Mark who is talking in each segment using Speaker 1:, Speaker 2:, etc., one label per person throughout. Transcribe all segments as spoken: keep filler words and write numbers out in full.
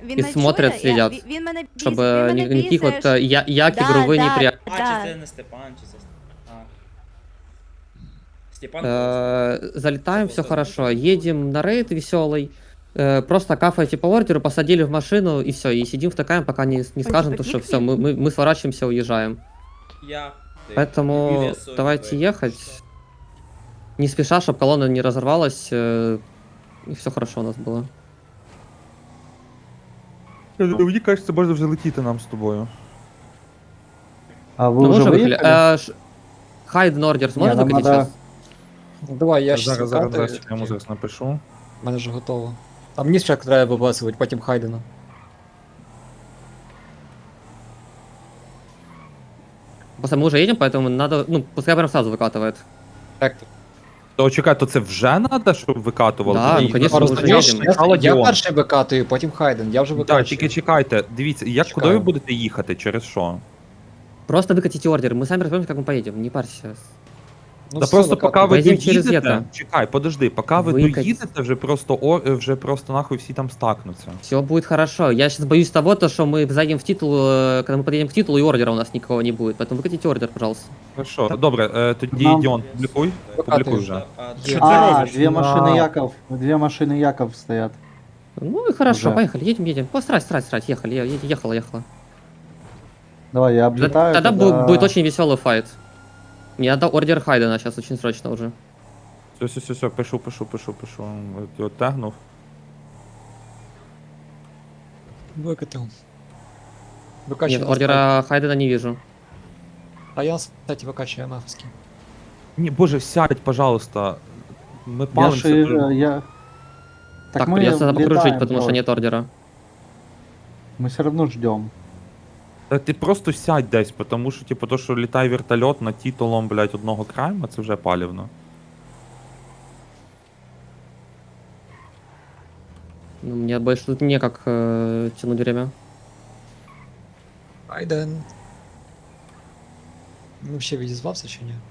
Speaker 1: він
Speaker 2: и
Speaker 1: мене
Speaker 2: смотрят,
Speaker 1: чує, я-
Speaker 2: следят,
Speaker 1: він- Він мене бісить,
Speaker 2: чтобы
Speaker 1: він мене
Speaker 2: ни- никаких
Speaker 1: бісить,
Speaker 2: вот
Speaker 1: що-
Speaker 2: э, я, як
Speaker 1: Да,
Speaker 2: игровые
Speaker 1: да,
Speaker 2: неприятности.
Speaker 3: А,
Speaker 1: да.
Speaker 3: чи це не Степан, чи це... А. Степан
Speaker 2: Э, Залетаем,
Speaker 3: Забыл,
Speaker 2: все
Speaker 3: забыл,
Speaker 2: хорошо.
Speaker 3: забыл.
Speaker 2: Едем на рейд веселый. Э, Просто кафаете по ордеру, посадили в машину и все. И сидим втыкаем, пока не, не скажем, то, что все, мы, мы, мы сворачиваемся, уезжаем.
Speaker 3: Я. ти.
Speaker 2: Поэтому
Speaker 3: Юлія Соня
Speaker 2: давайте
Speaker 3: твоя.
Speaker 2: ехать. Не спеша, чтобы колонна не разорвалась. э, И все хорошо у нас было.
Speaker 4: Мені кажеться, можна вже летіти нам з тобою.
Speaker 5: А вы
Speaker 2: Ну, мы
Speaker 5: уже
Speaker 2: уже выехали.
Speaker 5: выехали?
Speaker 2: Э, ш- Хайден ордер сможет
Speaker 5: нам
Speaker 2: выкатить
Speaker 5: надо-
Speaker 2: сейчас?
Speaker 6: Ну, давай, я щас
Speaker 4: Зараз, зараз,
Speaker 6: викатую,
Speaker 4: зараз, я йому зараз напишу.
Speaker 6: в мене вже готово. Там ніс ще треба вибасувати, потім Хайдена.
Speaker 2: Просто мы уже едем, поэтому надо, ну, пускай прям сразу выкатывает.
Speaker 6: Так,
Speaker 4: То чекай, то це вже треба, щоб викатували?
Speaker 2: Да,
Speaker 4: Тоді
Speaker 2: ну, конечно,
Speaker 4: зараз
Speaker 2: ми вже
Speaker 4: спочатку
Speaker 2: їдемо.
Speaker 6: я,
Speaker 4: спочатку
Speaker 6: я
Speaker 4: Діон.
Speaker 6: перший викатую, потім Хайден, я вже
Speaker 4: Так,
Speaker 6: викатую.
Speaker 4: тільки чекайте, дивіться, як
Speaker 6: Чекаю.
Speaker 4: куди ви будете їхати, через що?
Speaker 2: Просто выкатите ордер, мы сами разберемся, как мы поедем, не парься.
Speaker 6: Ну,
Speaker 4: Та
Speaker 6: все,
Speaker 4: просто
Speaker 6: викатую.
Speaker 4: поки ви
Speaker 2: Поїдемо через
Speaker 4: доїдете,
Speaker 2: Єта.
Speaker 4: чекай, подожди, поки ви
Speaker 2: Викать.
Speaker 4: доїдете, вже просто о, вже просто нахуй всі там стакнуться.
Speaker 2: Все будет хорошо. Я сейчас боюсь того, то, что мы зайдем в титул, э, когда мы подъедем к титулу, и ордера у нас никого не будет. Поэтому выкатите ордер, пожалуйста.
Speaker 4: Хорошо, добре, е, тоді
Speaker 5: Нам-
Speaker 4: Діон, публікуй, публікуй вже.
Speaker 3: А,
Speaker 6: Що
Speaker 3: ти-
Speaker 6: це
Speaker 5: А,
Speaker 6: робиш?
Speaker 5: две машины
Speaker 4: На-
Speaker 5: Яков, две машины Яков стоят.
Speaker 2: Ну и хорошо,
Speaker 5: Уже.
Speaker 2: поехали, едем, едем. О, срать, срать, срать, ехали, е- е- ехала, ехала.
Speaker 5: Давай, я
Speaker 2: Т-
Speaker 5: облетаю.
Speaker 2: Тогда
Speaker 5: тогда-
Speaker 2: бу- будет очень веселый файт. Мне надо ордер Хайдена сейчас очень срочно уже.
Speaker 4: Все, все, все, все, пишу, пишу, пишу, пишу. От його тегнув.
Speaker 6: Викатив. Викачую.
Speaker 2: Нет,
Speaker 6: на
Speaker 2: ордера Хайдена не вижу.
Speaker 6: старт. А я, кстати, викачую МФ-ський.
Speaker 4: Ні, боже, сядь, пожалуйста. Ми
Speaker 5: Я
Speaker 4: палимося.
Speaker 5: же,
Speaker 4: дуже.
Speaker 5: я...
Speaker 2: Так,
Speaker 5: мы
Speaker 2: придется покружить,
Speaker 5: летаем
Speaker 2: потому что
Speaker 5: просто.
Speaker 2: нет ордера.
Speaker 5: Мы все равно ждем.
Speaker 4: Та ти просто сядь десь, тому що, типу, то, що літає вертольот над титулом, блядь, одного крайма, це вже палівно.
Speaker 2: Ну, мне больше тут некак э, тянуть время.
Speaker 6: Хайден. Ну, ще відізвався чи ні?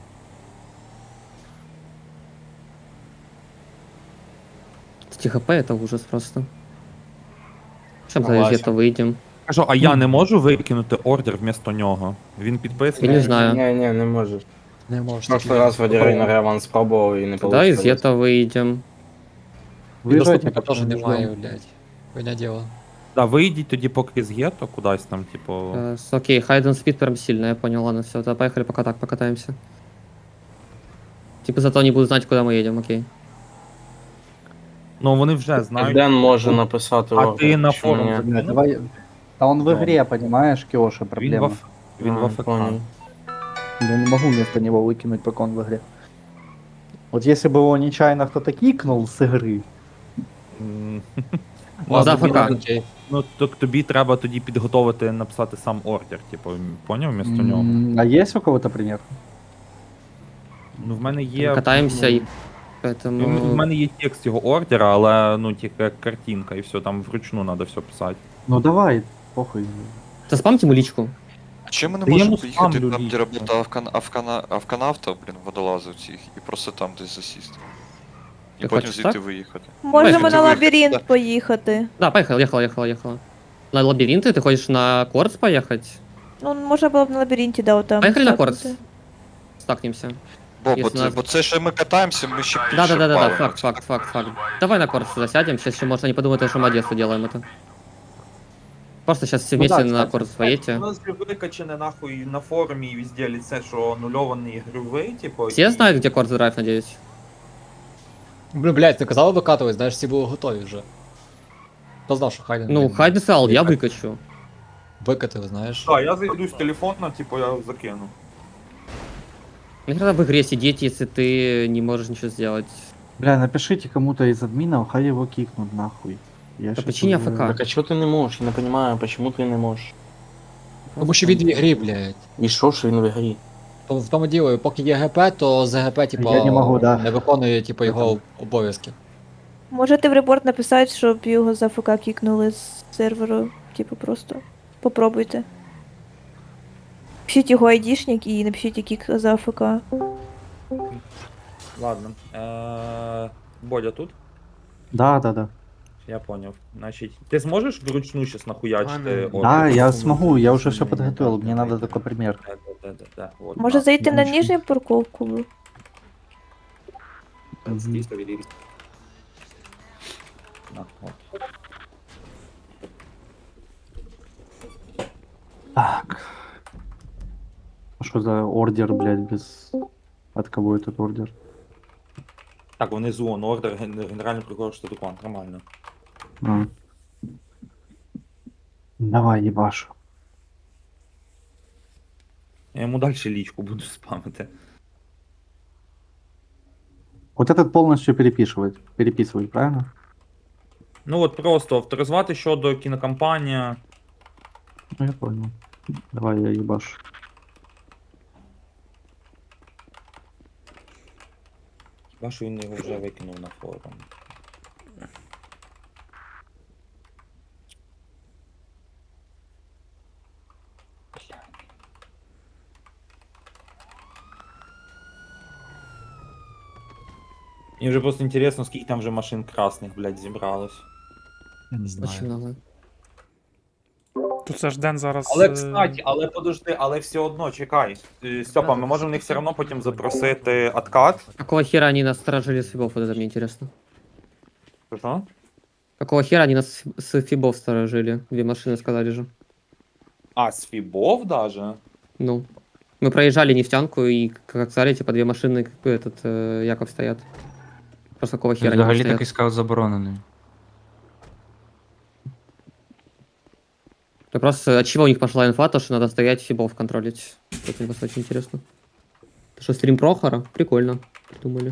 Speaker 2: Эти хп это ужас просто. Чем за
Speaker 3: Согласен.
Speaker 2: это выйдем?
Speaker 4: Кажу, а я не можу викинути ордер вмісто нього? Він
Speaker 2: Я
Speaker 4: підписаний.
Speaker 2: не знаю.
Speaker 7: Ні, ні, не можеш.
Speaker 6: Не можеш.
Speaker 7: В прошлый раз Вадірей на Реван спробував і не
Speaker 2: Тогда из
Speaker 7: вийшло.
Speaker 2: этого выйдем.
Speaker 6: І
Speaker 5: Выезжайте,
Speaker 6: доступника
Speaker 5: пока
Speaker 6: теж
Speaker 5: мы
Speaker 6: немає,
Speaker 5: ждем.
Speaker 6: блядь. Хуйня діло.
Speaker 4: Да, вийдіть тоді поки з гетто кудись там, типу.
Speaker 2: Э, с- окей, Хайден спид прям сильно, я понял, ладно, все, тогда поехали пока так, покатаемся. Типа зато они будут знать, куда мы едем, окей.
Speaker 4: Ну вони вже знають.
Speaker 7: Ден може написати
Speaker 4: А
Speaker 7: ордер,
Speaker 4: ти на
Speaker 7: чому
Speaker 4: форум
Speaker 7: ні?
Speaker 4: забіг?
Speaker 5: Блядь, давай... А он в
Speaker 4: Да.
Speaker 5: игре, понимаешь, Киоша,
Speaker 4: Він в
Speaker 5: проблема.
Speaker 4: Аф- Він в
Speaker 7: А,
Speaker 4: АФК.
Speaker 7: понял.
Speaker 5: Я не могу вместо него выкинуть, пока он в игре. Вот если бы его нечаянно кто-то кикнул с игры,
Speaker 4: М,
Speaker 2: Ладно,
Speaker 6: Ладно,
Speaker 2: ФК.
Speaker 6: окей.
Speaker 4: Ну, то тобі треба тоді підготовити, написати сам ордер, типу, поняв вмісто нього?
Speaker 5: м, а есть у кого-то пример?
Speaker 4: Ну, в мене є.
Speaker 2: Катаемся
Speaker 4: ну,
Speaker 2: и...
Speaker 4: В
Speaker 2: Поэтому...
Speaker 4: мене є текст його ордера, але ну тільки як картинка, і все, там вручну треба все писати.
Speaker 5: Ну давай, похуй.
Speaker 2: Да спамьте ему личку.
Speaker 8: А чим ми не
Speaker 4: Та я
Speaker 8: можемо
Speaker 4: йому
Speaker 8: поїхати
Speaker 4: ставлю
Speaker 8: там, де
Speaker 4: лічно.
Speaker 8: робота авкана, авкана, авканавта, блін, водолазив цих, і просто там десь засісти. І
Speaker 2: Ти
Speaker 8: потім
Speaker 2: хочеш
Speaker 8: звідти
Speaker 2: так?
Speaker 8: виїхати.
Speaker 1: Можемо
Speaker 2: Давай,
Speaker 1: на
Speaker 8: давай.
Speaker 1: лабіринт поїхати.
Speaker 2: Да, поехала, ехала, ехала, ехала. На лабиринты ты хочешь на Корс поехать?
Speaker 1: Ну, можна було б на лабіринті, да, отам.
Speaker 2: Поехали на
Speaker 1: стакнути.
Speaker 2: Корс. Стакнемся.
Speaker 8: Бо, бо,
Speaker 2: Якщо
Speaker 8: це,
Speaker 2: нас-
Speaker 8: бо це ще ми катаємося, ми ще більше
Speaker 2: Да, да, да, да, да,
Speaker 8: палимо.
Speaker 2: факт, факт, факт, факт. Давай на Корс засядем, сейчас еще может они подумают, что мы Одессу делаем это. Просто сейчас все
Speaker 5: Ну
Speaker 2: вместе
Speaker 5: да,
Speaker 2: на
Speaker 5: кстати.
Speaker 2: Корс поедете.
Speaker 4: У нас же викачане нахуй на форумі і везде ліце, що нульований ігровий, типу.
Speaker 2: Все знают, где Корс Драйв, надеюсь?
Speaker 6: Блін, блядь, ти казали викатувати, знаєш, всі були готові вже. Хто знав, що Хайден...
Speaker 2: Ну,
Speaker 6: блін,
Speaker 2: Хайден сказал, я выкачу.
Speaker 6: Викатив, знаєш.
Speaker 4: Так, я зайду з телефона, типу, я закину.
Speaker 2: Нахера в игре сидеть, если ты не можешь ничего сделать?
Speaker 5: Бля, напишите кому-то из админов, хай его кикнут нахуй. Я
Speaker 2: Да
Speaker 5: щас
Speaker 2: почини
Speaker 5: уже-
Speaker 2: АФК.
Speaker 7: Так а чого ти не можеш? Я не розумію, чому ти не можеш?
Speaker 6: Тому що він в ігрі, блядь.
Speaker 7: І що ж він в грі?
Speaker 6: То в тому діло, поки є ГП, то з ГП, типа,
Speaker 5: Я не можу, да.
Speaker 6: не виконує, типа, його обов'язки.
Speaker 1: Можете в репорт написати, щоб його за ФК кікнули з серверу. Типу просто. Попробуйте. Пишіть його айдішник і напишіть кік за АФК.
Speaker 4: Ладно. Е- Бодя тут?
Speaker 5: Да, да, да.
Speaker 4: Я понял. Значит, ты сможешь вручную сейчас нахуячить?
Speaker 3: Ладно.
Speaker 4: э, ордер?
Speaker 5: Да, я
Speaker 3: Ордер.
Speaker 5: смогу, я уже все
Speaker 3: Да,
Speaker 5: подготовил,
Speaker 3: да,
Speaker 5: мне
Speaker 3: да,
Speaker 5: надо
Speaker 3: да.
Speaker 5: только пример.
Speaker 4: Да, да, да, да. Вот,
Speaker 1: Може
Speaker 4: на.
Speaker 1: зайти на
Speaker 5: Нічого.
Speaker 1: нижню парковку?
Speaker 5: Мгм.
Speaker 4: На, вот.
Speaker 5: Так. А что за ордер, блядь, без... От кого этот ордер?
Speaker 4: Так, внизу он ордер, ген- генеральный прокурор Штатукан, нормально.
Speaker 5: А. Давай, ебаш.
Speaker 4: Я ему дальше личку буду спамити.
Speaker 5: Вот этот полностью переписывать, переписывать, правильно?
Speaker 4: Ну от просто авторизувати щодо кінокомпанія.
Speaker 5: Ну, я понял. Давай, я ебаш.
Speaker 4: Хіба що він його вже викинув на форум. Мені вже просто інтересно, скільки там вже машин красних, блядь, зібралось.
Speaker 5: Я не
Speaker 2: Очень много.
Speaker 9: Тут це ж Ден зараз.
Speaker 4: Але,
Speaker 9: е,
Speaker 4: кстати, але подожди, але все одно, чекай. Е, Степа, ми можемо в них все одно потім запросити откат.
Speaker 2: Какого хера они нас сторожили с фибов, вот это мне интересно.
Speaker 4: Що?
Speaker 2: Какого хера они нас с фибов сторожили? Две машины сказали же.
Speaker 4: А, з Фібов даже?
Speaker 2: Ну. Мы проезжали нефтянку и, как сказали, типа две машины, как бы, этот, э, Яков стоят. Просто какого хера они там
Speaker 10: Взагалі
Speaker 2: стоят?
Speaker 10: такий скаут заборонений.
Speaker 2: Да просто от чего у них пошла инфа, то что надо стоять фибов контролить. Это мне просто очень интересно. Это что, стрим Прохора? Прикольно. Придумали.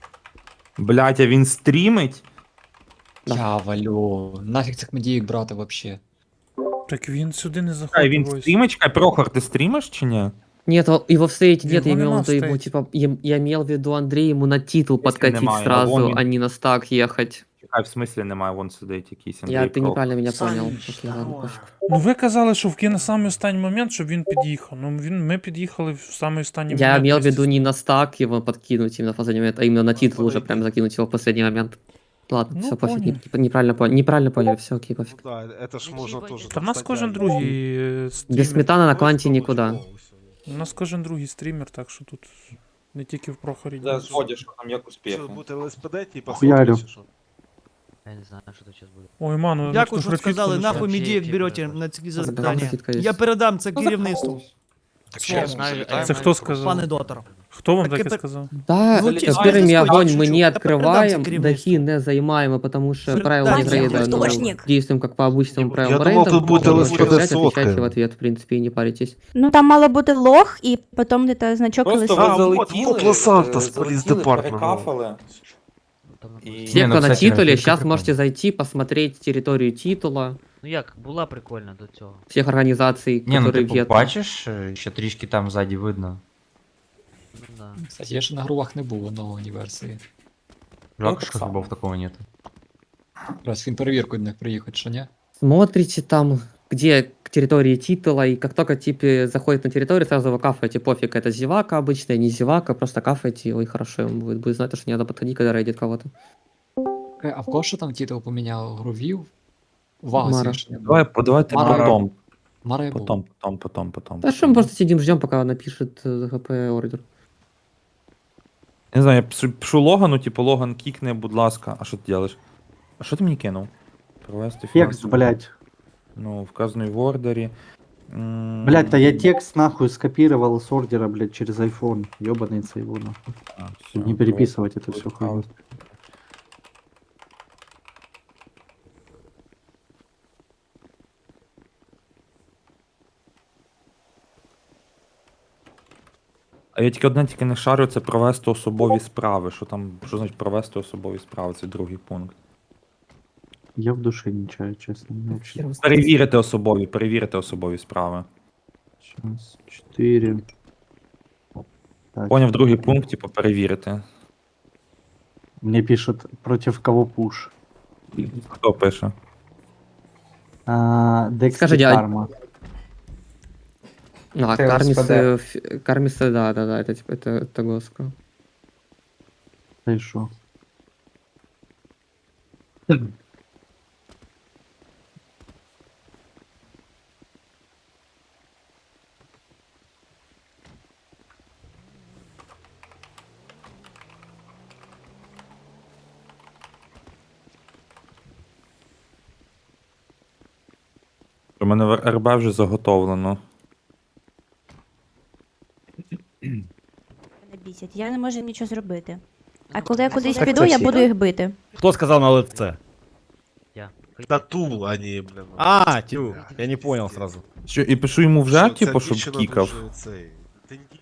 Speaker 4: Блять, а він стрімить?
Speaker 2: Да.
Speaker 6: Я валю. Нафіг цих медіїк брати вообще.
Speaker 9: Так він сюди не
Speaker 4: Чекай,
Speaker 9: заходить.
Speaker 4: він
Speaker 9: ось.
Speaker 4: стрімить? Чекай, Прохор, ти стрімиш чи ні?
Speaker 2: Нет, о- его встретить нет, я
Speaker 9: Его
Speaker 2: имел в
Speaker 9: нема
Speaker 2: виду ему,
Speaker 9: встретить.
Speaker 2: типа, я, я имел в виду Андрей ему на титул подкатить
Speaker 4: немає, а
Speaker 2: сразу,
Speaker 4: вон він.
Speaker 2: а не на стак ехать.
Speaker 4: Чекай, в смислі немає, вон сидить якийсь Андрій
Speaker 2: Я, ты
Speaker 4: Прохор.
Speaker 2: неправильно меня понял. Окей, ладно, пофиг.
Speaker 9: Ну ви казали, що в кіно самий останній момент, щоб він під'їхав. Ну він, ми під'їхали в самий останній
Speaker 2: Я
Speaker 9: момент.
Speaker 2: имел в
Speaker 9: десь-
Speaker 2: виду не на стак его подкинуть именно в последний момент, а именно на титул уже прям закинуть его в последний момент. Ладно,
Speaker 9: Ну,
Speaker 2: все, пофиг,
Speaker 9: понял.
Speaker 2: не- неправильно поняли, неправильно поняли, все, окей, пофиг.
Speaker 11: Да, это ж можно тоже.
Speaker 9: Та в нас кожен другий е, стрімер.
Speaker 2: Без сметаны на кванте никуда.
Speaker 9: У нас кожен другий стрімер, так що тут не тільки в Прохорі.
Speaker 4: Да, згодя, що там як успіхи.
Speaker 11: Сейчас будет ЛСПД, типа,
Speaker 5: Хуярю.
Speaker 11: смотришь, что?
Speaker 10: Я не знаю, що тут зараз буде.
Speaker 9: Ой, ману,
Speaker 12: Як
Speaker 9: ну,
Speaker 12: уж
Speaker 9: хто
Speaker 12: сказали,
Speaker 9: графітку
Speaker 12: нахуй
Speaker 10: Вообще
Speaker 12: медіїв
Speaker 10: фігня
Speaker 12: берете
Speaker 10: просто.
Speaker 12: на ці
Speaker 2: Там
Speaker 12: завдання.
Speaker 2: графітка є.
Speaker 12: Я передам це керівництву,
Speaker 8: Так що, залітаємо?
Speaker 9: Це хто сказав?
Speaker 12: пане доктор.
Speaker 2: Хто
Speaker 9: вам
Speaker 12: Таке
Speaker 9: таке
Speaker 12: пер-
Speaker 9: сказав?
Speaker 2: Да,
Speaker 12: Ну,
Speaker 2: с
Speaker 12: ті- а,
Speaker 2: первыми
Speaker 12: я
Speaker 2: огонь
Speaker 12: шучу,
Speaker 2: мы не
Speaker 12: я передам
Speaker 2: открываем,
Speaker 12: це керівництву.
Speaker 2: дахи не занимаем, потому что
Speaker 12: Фр-
Speaker 2: правила
Speaker 12: да,
Speaker 2: не
Speaker 12: я
Speaker 2: рейда, ну,
Speaker 12: художник.
Speaker 2: действуем как по обычным правилам
Speaker 11: Я думал,
Speaker 2: рейда.
Speaker 11: тут будет
Speaker 2: Можете
Speaker 11: ЛСПД
Speaker 2: отвечать,
Speaker 11: сотка.
Speaker 2: отвечайте в ответ, в принципе, и не паритесь.
Speaker 1: Ну там мало бути лох, і потім де значок
Speaker 4: Просто
Speaker 11: А,
Speaker 4: ви
Speaker 11: вот,
Speaker 4: залетіли,
Speaker 11: вот Лос-Сантос,
Speaker 4: е,
Speaker 11: Police
Speaker 4: залетіли,
Speaker 11: Department.
Speaker 4: перекафали.
Speaker 10: Там,
Speaker 4: І...
Speaker 2: Все,
Speaker 10: Не, ну,
Speaker 2: кто на
Speaker 10: кстати,
Speaker 2: титуле,
Speaker 10: графітка
Speaker 2: сейчас
Speaker 10: прикольна.
Speaker 2: можете зайти, посмотреть территорию титула,
Speaker 10: Ну як, була прикольна до цього.
Speaker 2: всех организаций,
Speaker 10: Ні, ну
Speaker 2: которые
Speaker 10: типу,
Speaker 2: вет.
Speaker 10: бачиш, е, що трішки там ззаді видно. Ну да.
Speaker 6: Кстати, я ще на грувах не був нової версії.
Speaker 10: Жалко,
Speaker 4: так
Speaker 10: що
Speaker 4: само.
Speaker 10: фібов такого нет.
Speaker 6: Раз він перевірку до них приїхати, що ні?
Speaker 2: Смотрите там, где к территории титула, и как только типа заходит на территорию, сразу его кафаете, пофиг, это зевака обычная, не зевака, просто кафаете его, и хорошо ему будет, будет знать, что не надо подходить, когда рейдит кого-то.
Speaker 6: Е, А в кого що там титул поміняв? Грувів? Вага
Speaker 2: Мара.
Speaker 6: свіжа.
Speaker 4: Давай, давайте
Speaker 6: Мара.
Speaker 4: потом.
Speaker 6: Мара я був.
Speaker 4: Потом, потом, потом, потом.
Speaker 2: Да что мы просто сидим, ждем, пока он напишет э, ГП ордер.
Speaker 4: Не знаю, я пишу, пишу Логану, типу, Логан кікне, будь ласка. А що ти робиш? А що ти мені кинув? Провести
Speaker 5: Текст,
Speaker 4: фінансову-
Speaker 5: блядь.
Speaker 4: Ну, вказаний в ордері. М,
Speaker 5: Блядь, да я текст нахуй скопировал с ордера, блядь, через iPhone. Ёбаный его нахуй.
Speaker 4: а, всё,
Speaker 5: Чтобы не переписывать это все хуйню.
Speaker 4: А я тільки одне тільки не шарю, це провести особові справи. Що там, що значить провести особові справи? Це другий пункт.
Speaker 5: Я в душе не чаю, честно. Мне вообще...
Speaker 4: Перевірити особові, перевірити особові справи.
Speaker 5: Сейчас, четыре. Так,
Speaker 4: Поняв, другий пункт, типу, перевірити.
Speaker 5: мне пишет, против кого пуш.
Speaker 4: Хто пише?
Speaker 5: А, Декс
Speaker 2: Скажите, а-
Speaker 5: Карма.
Speaker 2: А,
Speaker 12: Это
Speaker 2: Кармисы,
Speaker 12: СПД.
Speaker 2: ф- Кармисы, да, да, да, это типа, это, это Госка.
Speaker 5: Да и шо?
Speaker 4: У мене в РБ вже заготовлено.
Speaker 12: Мене бісять. Я не можу нічого зробити. А коли я кудись
Speaker 5: Так
Speaker 12: піду,
Speaker 5: це
Speaker 12: я
Speaker 5: всі,
Speaker 12: буду
Speaker 5: так?
Speaker 12: їх бити.
Speaker 11: Хто сказав на лице?
Speaker 10: Я.
Speaker 11: Тату, а не, блин.
Speaker 10: А, тю, я не понял сразу.
Speaker 4: Що, і пишу йому вже,
Speaker 11: Що, ця
Speaker 4: типу, щоб
Speaker 11: дівчина
Speaker 4: кікав.
Speaker 11: дуже цей. Та ні.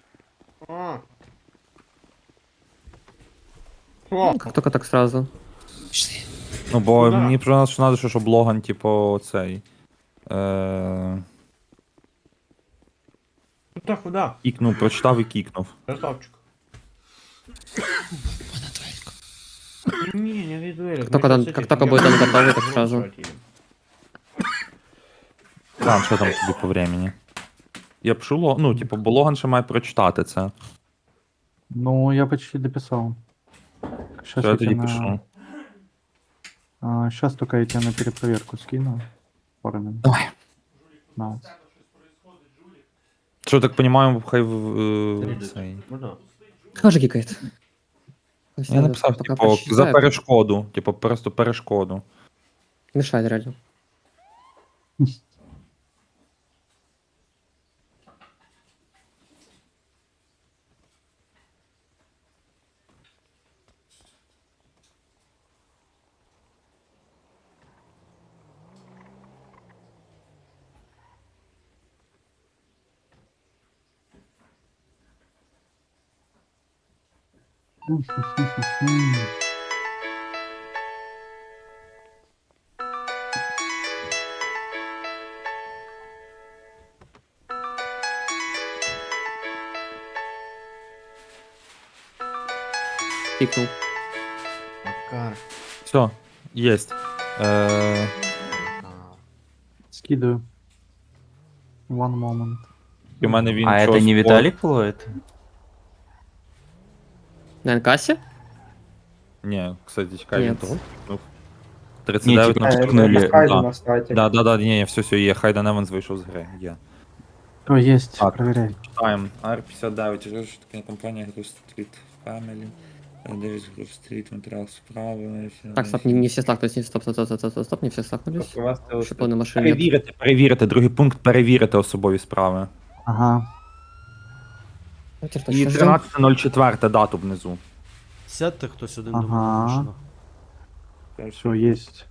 Speaker 2: Как только так сразу.
Speaker 4: Ну, бо мені про що треба, щоб Логан, типу, цей. Е...
Speaker 10: Куда, куда?
Speaker 4: Кікнув, прочитав і кікнув.
Speaker 10: Красавчик. Не, не виду.
Speaker 2: Как только, там- как только будет он готовый, так сразу.
Speaker 4: Там, що там тобі по времени? Я пишу, Ло- ну, типу, бо Логан ще має прочитати це.
Speaker 5: Ну, я почти дописал. Сейчас
Speaker 4: Що я
Speaker 5: я
Speaker 4: тоді
Speaker 5: тебе
Speaker 4: пишу?
Speaker 5: на... А, сейчас только я тебе на перепроверку скину. Пару минут.
Speaker 4: Давай.
Speaker 5: На.
Speaker 4: Що, так розумію, хай в е, цей.
Speaker 2: Тоже кикает.
Speaker 4: Я написав, типу, за перешкоду. Типу, просто перешкоду.
Speaker 2: Мешает реально. Кикнул.
Speaker 10: Макар.
Speaker 4: Все, єсть. Е,
Speaker 5: Скидываю. One moment.
Speaker 4: і в мене він
Speaker 10: А это
Speaker 4: щось
Speaker 10: не
Speaker 4: по-
Speaker 10: Виталик ловит?
Speaker 2: На Энкассе?
Speaker 4: Ні, кстати, чекай, він
Speaker 2: Нет.
Speaker 4: того кікнув. тридцять дев'ять
Speaker 10: типа,
Speaker 4: на
Speaker 10: кикнули.
Speaker 4: чотирнадцять. Да, да, да, ні, ні, все, все, є, Хайден Еванс вийшов з гри, є.
Speaker 5: О, есть,
Speaker 4: Так.
Speaker 5: проверяй.
Speaker 4: Читаємо. ар п'ятдесят дев'ять, вже ж така компанія Groove Street Family. Дев'ять Groove Street, матеріал справи.
Speaker 2: Так, стоп, не, не все стакнулись, не стоп, стоп, стоп, стоп, стоп, стоп, не все стакнулись. Чтобы на машине нет.
Speaker 4: Перевірити, перевірити, другий пункт перевірити особові справи.
Speaker 5: Ага.
Speaker 2: Давайте
Speaker 4: І
Speaker 2: точно ждем.
Speaker 4: тринадцяте чотири дату внизу.
Speaker 11: Сядьте хтось один
Speaker 5: Ага.
Speaker 11: до мене машину.
Speaker 5: Все, есть.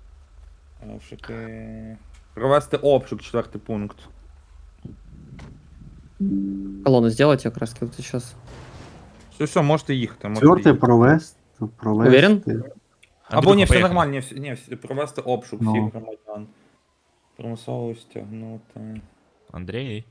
Speaker 4: Обшуки. Провести обшук, четвертий пункт.
Speaker 2: Колонну сделайте, краски вот сейчас.
Speaker 4: Все, все, можете їхати. Можете
Speaker 5: Четвертый
Speaker 4: їхати.
Speaker 5: провест. провести.
Speaker 2: Уверен?
Speaker 4: Або ні, все нормально, ні, всі- ні, всі- провести обшук
Speaker 5: Ну.
Speaker 4: всіх громадян. Примусово стягнути.
Speaker 10: Андрей.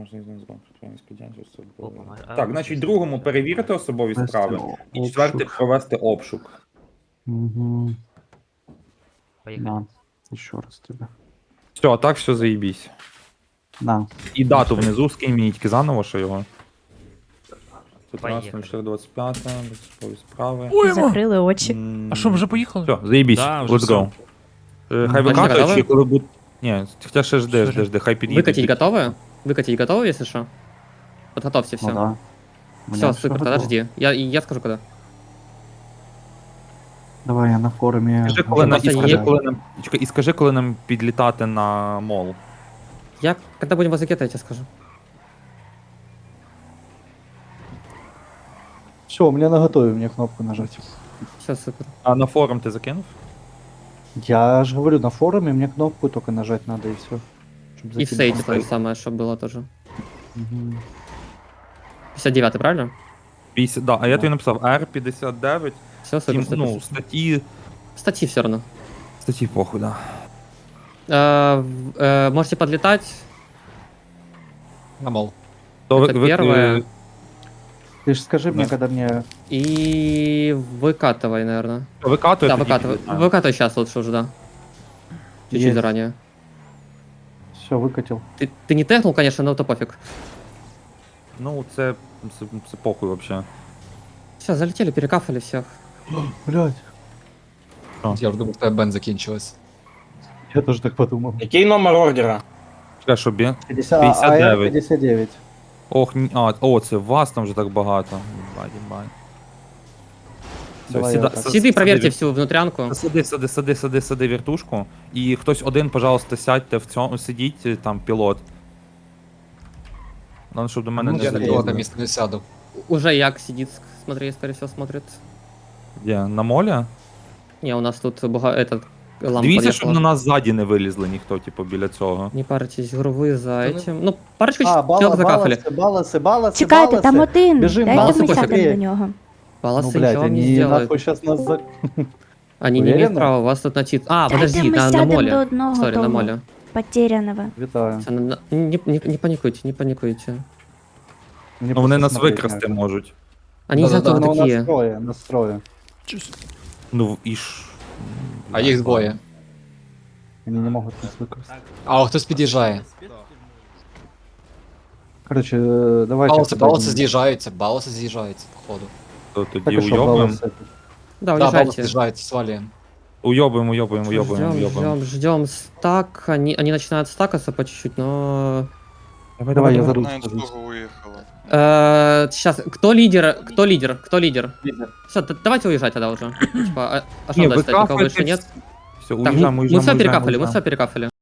Speaker 4: Так, значить, другому перевірити особові
Speaker 5: Провести
Speaker 4: справи. І
Speaker 5: обшук.
Speaker 4: четвертий провести обшук.
Speaker 5: Угу.
Speaker 10: Поехали.
Speaker 5: На. Еще раз тебе.
Speaker 4: Все, а так все заїбісь.
Speaker 5: На.
Speaker 4: І дату внизу, скинь мені тільки заново, що його.
Speaker 10: Поїхали.
Speaker 4: тринадцяте чотири двадцять п'яте, особові справи.
Speaker 9: Ой, ма.
Speaker 12: Закрили очі.
Speaker 4: М,
Speaker 9: А що, вже поїхали?
Speaker 4: Все, заїбісь,
Speaker 11: Да, вже
Speaker 4: let's
Speaker 11: все.
Speaker 4: go. Е, Хай
Speaker 5: Ну,
Speaker 4: викатують,
Speaker 2: готові?
Speaker 4: чи коли будуть... Ні, хоча ще жди, жди, жди, хай під'їдуть.
Speaker 2: Выкатить готовы? Выкатить готовы, если что? Подготовьте все.
Speaker 5: Ну, да. У меня
Speaker 2: Все,
Speaker 5: всё
Speaker 2: супер, тогда
Speaker 5: готово.
Speaker 2: жди. Я, я скажу когда.
Speaker 5: Давай я на форуме.
Speaker 4: Скажи, коли нам, і,
Speaker 2: Просто
Speaker 4: скажи,
Speaker 2: є-
Speaker 4: коли нам, чекай, і скажи, коли нам підлітати на мол.
Speaker 2: Я, когда будем возле гетто, я тебе скажу.
Speaker 5: Все, у меня на готове, мне кнопку нажать.
Speaker 2: Все, супер.
Speaker 4: А на форум ти закинув?
Speaker 5: Я же говорю, на форуме мне кнопку только нажать надо и все.
Speaker 2: И в сейте то же самое, чтобы было тоже.
Speaker 5: Угу.
Speaker 2: пятьдесят девятый, правильно?
Speaker 4: п'ятдесят, да, а я тобі написав ар п'ятдесят дев'ять,
Speaker 2: Все, супер,
Speaker 4: тім,
Speaker 2: супер.
Speaker 4: ну,
Speaker 2: супер.
Speaker 4: статті,
Speaker 2: Статьи все равно.
Speaker 4: статті похуй, да.
Speaker 2: Э, в- э, можете подлетать.
Speaker 6: На мол.
Speaker 4: То
Speaker 2: Это первое.
Speaker 4: е,
Speaker 5: Ты же скажи мне,
Speaker 4: Да.
Speaker 5: когда мне...
Speaker 2: И выкатывай, наверное.
Speaker 4: викатує,
Speaker 2: Да,
Speaker 4: тоді
Speaker 2: выкатывай.
Speaker 4: підлітаємо.
Speaker 2: Выкатывай сейчас лучше уже, да. Чуть-чуть
Speaker 5: Есть.
Speaker 2: заранее.
Speaker 5: Все, выкатил.
Speaker 2: Ты, ты не технул, конечно, но то пофиг.
Speaker 4: Ну, це, це, це похуй вообще.
Speaker 2: Все, залетели, перекафали всех.
Speaker 5: Блять.
Speaker 6: Я вже думав, тебе бен закінчилась.
Speaker 5: Я тоже так подумал.
Speaker 7: Який номер ордера?
Speaker 4: Чекай, що б'є?
Speaker 5: пятьдесят,
Speaker 4: пятьдесят
Speaker 5: а,
Speaker 4: девять.
Speaker 5: пятьдесят девять.
Speaker 4: Ох, ні, а, о, це вас там вже так багато. Їбать, їбать. Все,
Speaker 5: Давай
Speaker 4: сіда,
Speaker 5: я так.
Speaker 4: с-
Speaker 2: Сиды,
Speaker 4: сиди,
Speaker 2: проверьте
Speaker 4: вір-
Speaker 2: всю внутрянку.
Speaker 4: Сиди, сиди, сиди, сиди, сиди вертушку. І хтось один, пожалуйста, сядьте в цьому, сидіть, е, там, пілот. Надо, щоб до мене
Speaker 5: Ну,
Speaker 4: не
Speaker 6: Я на
Speaker 5: окей.
Speaker 6: пілота
Speaker 4: залізли.
Speaker 6: місце не сяду.
Speaker 2: Уже Як сидит, смотри, скорее всего, смотрит.
Speaker 4: Де, на молі?
Speaker 2: Не, у нас тут бога... этот... лампа
Speaker 4: Дивіться, щоб
Speaker 2: подъехала.
Speaker 4: на нас ззаді не вилізли ніхто, типу, біля цього.
Speaker 2: Не парьтесь, грувы за
Speaker 6: Да ну-
Speaker 2: этим. Ну, парочку
Speaker 5: А,
Speaker 2: человек
Speaker 5: бала,
Speaker 2: закафали.
Speaker 5: баласи, баласи, баласи,
Speaker 12: Чекайте, там
Speaker 5: баласи.
Speaker 12: один.
Speaker 5: Біжим,
Speaker 12: Дайте
Speaker 2: баласи
Speaker 12: ми
Speaker 2: пофіг.
Speaker 12: сядемо до нього.
Speaker 2: Баласы
Speaker 5: Ну, блядь,
Speaker 2: ничего не
Speaker 5: они
Speaker 2: сделают.
Speaker 5: нахуй сейчас нас за...
Speaker 2: Они не имеют
Speaker 5: Уверена?
Speaker 2: права, у вас тут на тит... А,
Speaker 12: Дайте
Speaker 2: подожди,
Speaker 12: ми
Speaker 2: на, на
Speaker 12: сядемо до
Speaker 2: моле.
Speaker 12: одного
Speaker 2: Сори, на
Speaker 12: того
Speaker 2: моле.
Speaker 12: потеряного.
Speaker 5: Вітаю.
Speaker 2: Всё, на- на- Не, не, не паникуйте, не паникуйте.
Speaker 5: Мені
Speaker 4: Ну, вони
Speaker 5: просто
Speaker 4: нас
Speaker 5: смотреть
Speaker 4: викрасти
Speaker 5: не.
Speaker 4: можуть.
Speaker 2: Они не знают,
Speaker 6: Да-да-да,
Speaker 2: кто вы
Speaker 5: Ну,
Speaker 2: такие.
Speaker 5: настрої, настрої.
Speaker 4: Ну, і ж...
Speaker 6: А їх двоє.
Speaker 5: Вони не можуть нас використати.
Speaker 6: А о, хтось під'їжджає.
Speaker 5: Короче, е, давайте...
Speaker 6: Балоси,
Speaker 5: куди
Speaker 6: балоси
Speaker 5: йдемо.
Speaker 6: з'їжджаються, балоси з'їжджаються, походу.
Speaker 4: То
Speaker 5: Так
Speaker 4: тоді
Speaker 5: і що,
Speaker 4: уйобуємо.
Speaker 5: баласи?
Speaker 2: Да,
Speaker 6: Да, балоси
Speaker 2: уезжайте.
Speaker 6: з'їжджаються, свалюємо.
Speaker 4: Уйобуємо, уйобуємо, уйобуємо,
Speaker 2: Ждем,
Speaker 4: уйобуємо.
Speaker 2: ждем, ждем стак. Они, они начинают стакаться по чуть-чуть, но...
Speaker 4: Давай,
Speaker 5: Давай, я
Speaker 4: давай.
Speaker 5: за руль
Speaker 8: На
Speaker 5: сажусь.
Speaker 8: інстагу уїхала.
Speaker 2: Сейчас, кто лидер? Кто лидер? Кто лидер? Все, давайте уезжать тогда уже. Типа, а, а что
Speaker 4: Ні,
Speaker 2: дальше? Никого
Speaker 4: викафайте
Speaker 2: больше нет?
Speaker 4: Все,
Speaker 2: Так, мы,
Speaker 4: уїжджаємо,
Speaker 2: мы
Speaker 4: уїжджаємо,
Speaker 2: все
Speaker 4: уїжджаємо,
Speaker 2: перекафали, мы
Speaker 4: уїжджаємо.
Speaker 2: все перекафали.